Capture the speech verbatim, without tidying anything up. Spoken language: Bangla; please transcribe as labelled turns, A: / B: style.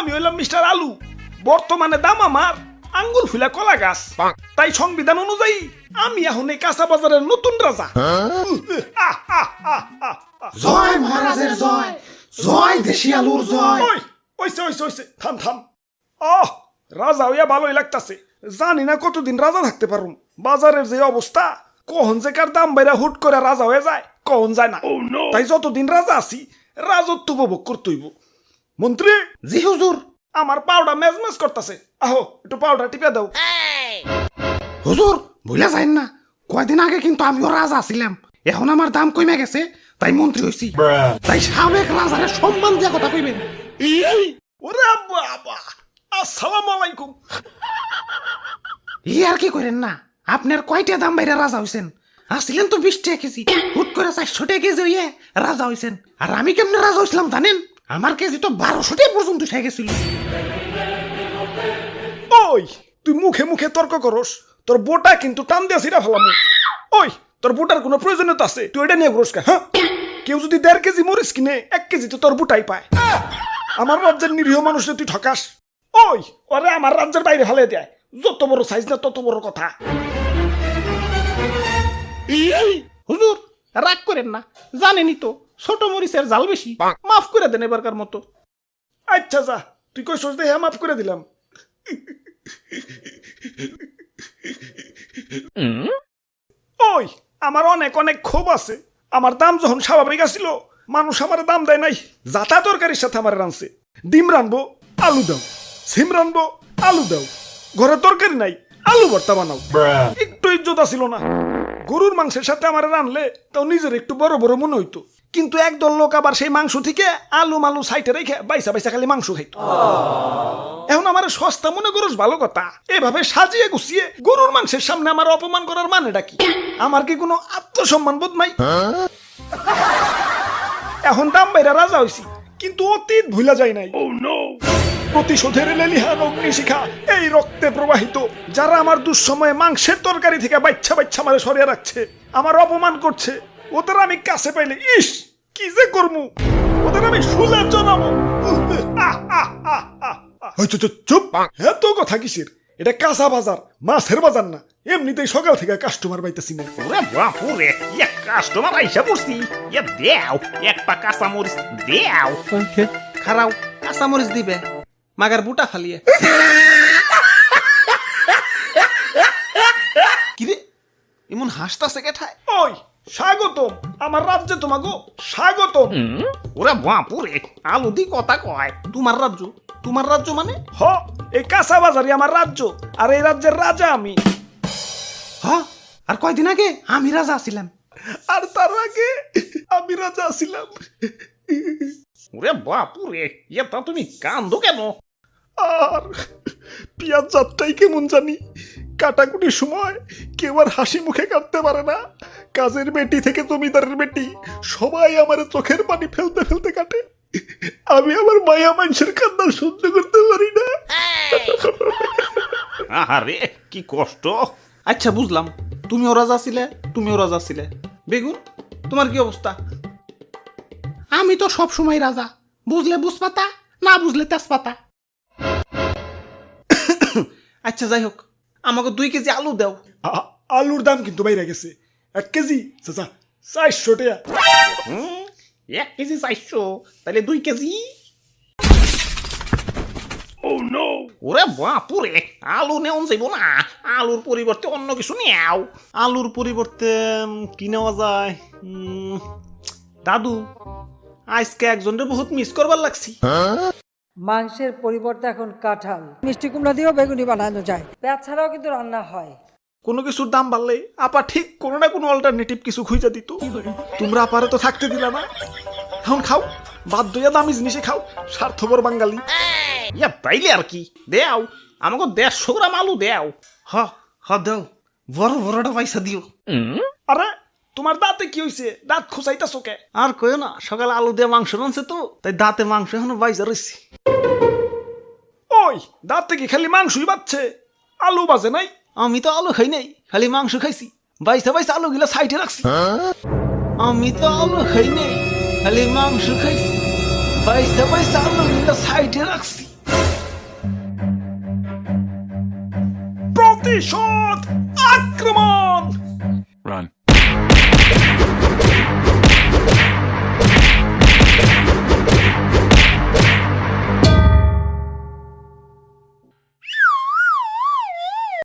A: আমি হইলাম মিস্টার আলু, বর্তমানে দাম আমার আঙ্গুল ফুলা কলা গাছ। তাই সংবিধান অনুযায়ী আমি এখন এই কাঁচা বাজারের নতুন রাজা। আহ, আহ, আহ, আহ, আহ।
B: জয় মহারাজের জয়, জয় দেশি আলুর জয়।
A: ওই ওইসে ওইসে ওইসে থাম থাম। আহ, রাজা হইয়া ভালোই লাগতাছে। জানি না কতদিন রাজা থাকতে পারুম। বাজারের যে অবস্থা, কখন যে কার দাম বাইরা হুট করে রাজা হয়ে যায় কখন যায় না। তাই যতদিন রাজা আছি রাজত্ব উপভোগ করতে হইব। মন্ত্রী,
B: জি হুজুর।
A: আমার পাউডার মেজমেজ করতেছে, আহো একটু পাউডার টিপে দাও।
B: হুজুর ভুলে যাইন না, কয়দিন আগে কিন্তু আমিও রাজা ছিলাম, এখন আমার দাম কমে গেছে তাই মন্ত্রী হইছি। তাই সাবেক রাজারে সম্মান দিয়া কথা কইবেন।
A: ওরে বাবা, আসসালামু আলাইকুম।
B: ই আর কি করেন না, আপনার কয়টা দাম বাইরে রাজা হইছেন? আসছিলেন তো বিশ টাকা কেজি, হুট করে চারশো টাকা কেজি হইয়ে রাজা হইছেন। আর আমি কেমনে রাজা হইছিলাম জানেন? আমার কেজি তো বারোশো টাকা পর্যন্ত উঠে গেছিল।
A: ওই তুই মুখে মুখে তর্ক করস, তোর বোটা কিন্তু টান দিয়া ছিড়া ফেলাম। ওই তোর বোটার কোনো প্রয়োজনীয়তা আছে? তুই এটা নিয়ে ঘুরস কা? হ্যাঁ, কেউ যদি দেড় কেজি মরিচ কিনে এক কেজি তো তোর বুটাই পায়। আমার রাজ্যের নিরীহ মানুষকে তুই ঠকাস। ওই ওরে আমার রাজ্যের বাইরে ফেলে দেয়। যত বড় সাইজ না তত বড় কথা।
B: হুজুর রাগ করেন না, জানেনই তো ছোট মরিচের জাল বেশি, মাফ করে দেন এবারকার মতো।
A: আচ্ছা যা, তুই কই সোচ দেখে মাফ করে দিলাম। ওই আমার অনেক অনেক ক্ষোভ আছে। আমার দাম যখন স্বাভাবিক আসিল, মানুষ আমার দাম দেয় নাই। যাতা তরকারির সাথে আমার রানছে। ডিম রানবো, আলু দাও। সিম রানবো, আলু দাও। ঘরে তরকারি নাই, আলু ভর্তা বানাও। একটু ইজ্জত আসিল না। গরুর মাংসের সাথে আমার রানলে তাও নিজের একটু বড় বড় মনে হইতো। কিন্তু একদল লোক আবার সেই মাংস থেকে আলু মালু সাইটে রেখে বাইসা বাইসা খালি মাংস খাইতো। এখন আমার সস্তা মনে করস ভালো কথা, এভাবে সাজিয়ে গুছিয়ে গরুর মাংসের সামনে আমার অপমান করার মানেটা কি? আমার কি কোনো আত্মসম্মান বোধ নাই? এখন দাম বাইরা রাজা হইছি, কিন্তু অতীত ভুলা যায় নাই। প্রতিশোধের লেলিহান অগ্নিশিখা এই রক্তে প্রবাহিত। যারা আমার দুঃসময়ে মাংসের তরকারি থেকে বাচ্চা বাচ্চা মারে সরিয়ে রাখছে, আমার অপমান করছে, ওদের আমি কাছে পাইলে ইস কি যে করমু, ওদের আমি শুলে জানাবো। চুপ, এত কথা কিসের? এটা কাঁচা বাজার, মাছের বাজার না। এমনিতেই সকাল থেকে কাস্টমার পাইতেছি না।
C: ওরে বাপুরে, এক কাস্টমার আইসা পড়ছি। এ দেও এক পা কাঁচা মরিচ দেও।
B: খারাও কাঁচা মরিচ দিবে, মাগার বুটা ফালিয়ে। কিরে এমন হাসতাছে কেঠায়?
A: ওই স্বাগতম আমার রাজ্যে, তোমাগো স্বাগতম।
C: ওরে বাপুরে, আলু দি কথা কয়।
B: তোমার রাজ্য? তোমার রাজ্য মানে?
A: হ, এই কাঁচা বাজারই আমার রাজ্য, আর এই রাজ্যের রাজা আমি।
B: হ, আর কয়দিন আগে আমি রাজা ছিলাম।
A: আর তার আগে আমি রাজা ছিলাম।
C: ওরে বাপুরে, এটা তুমি কান্দো কেন?
A: আর পিয়াজ যাত্রাই কেমন জানি, কাটাকুটির সময় কেউ আর হাসি মুখে কাটতে পারে না। কাজের বেটি থেকে জমিদারের বেটি সবাই আমার চোখের পানি ফেলতে ফেলতে কাটে। আমি আমার মায়া মানুষের কান্না সহ্য করতে পারি না।
C: আরে কি কষ্ট।
B: আচ্ছা বুঝলাম, তুমিও রাজা ছিলে, তুমিও রাজা ছিলে। বেগুন তোমার কি অবস্থা? আমি তো সব সময় রাজা, বুঝলে বুঝপাতা, না বুঝলে তেজপাতা। আচ্ছা যাই হোক, আমাকে দুই কেজি আলু দাও।
A: আ- আলুর দাম কিন্তু বাইরে গেছে। এক কেজি চাচা চারশো টাকা।
C: হুম, এক কেজি চাইছো, তাহলে দুই কেজি। ওরে বাপুরে, আলু নেওয়া যাইব না। আলুর পরিবর্তে অন্য কিছু নেও।
B: আলুর পরিবর্তে উম, কি নেওয়া যায়? উম, দাদু আজকে একজনের বহুত মিস করবার লাগছি।
D: মাংসের পরিবর্তে এখন কাঁঠাল, মিষ্টি কুমড়া দিয়েও বেগুনি বানানো যায়। পেঁয়াজ ছাড়াও কিন্তু রান্না হয়।
A: কোনো কিছুর দাম বাড়লে আপা ঠিক কোনো না কোনো অল্টারনেটিভ কিছু খুঁজে দিত। তোমরা আপারে তো থাকতে দিলা না। এখন খাও, বাধ্য হইয়া দামি জিনিসে খাও, স্বার্থপর বাঙালি।
C: ইয়া তাইলে আর কি, দেও আমাকে দেড়শো গ্রাম আলু দেও।
B: হ হ দাও, বড় বড়টা পয়সা দিও।
A: আরে তোমার দাঁতে কি হইছে? দাঁত খুঁচাইতাছো কে?
B: আর কইও না, সকালে আলু দিয়ে মাংস রানছে তো, তাই দাঁতে মাংস এখনো বাইজা রয়েছে।
A: ওই দাঁতে কি খালি মাংসই বাচ্ছে, আলু বাজে নাই?
B: আমি তো আলু খাই নাই, খালি মাংস খাইছি। বাইসা বাইসা আলু গিলা সাইডে রাখছি। আমি তো আলু খাই নাই, খালি মাংস খাইছি। বাইসা বাইসা আলু গিলা সাইডে রাখছি।
A: প্রতিশোধ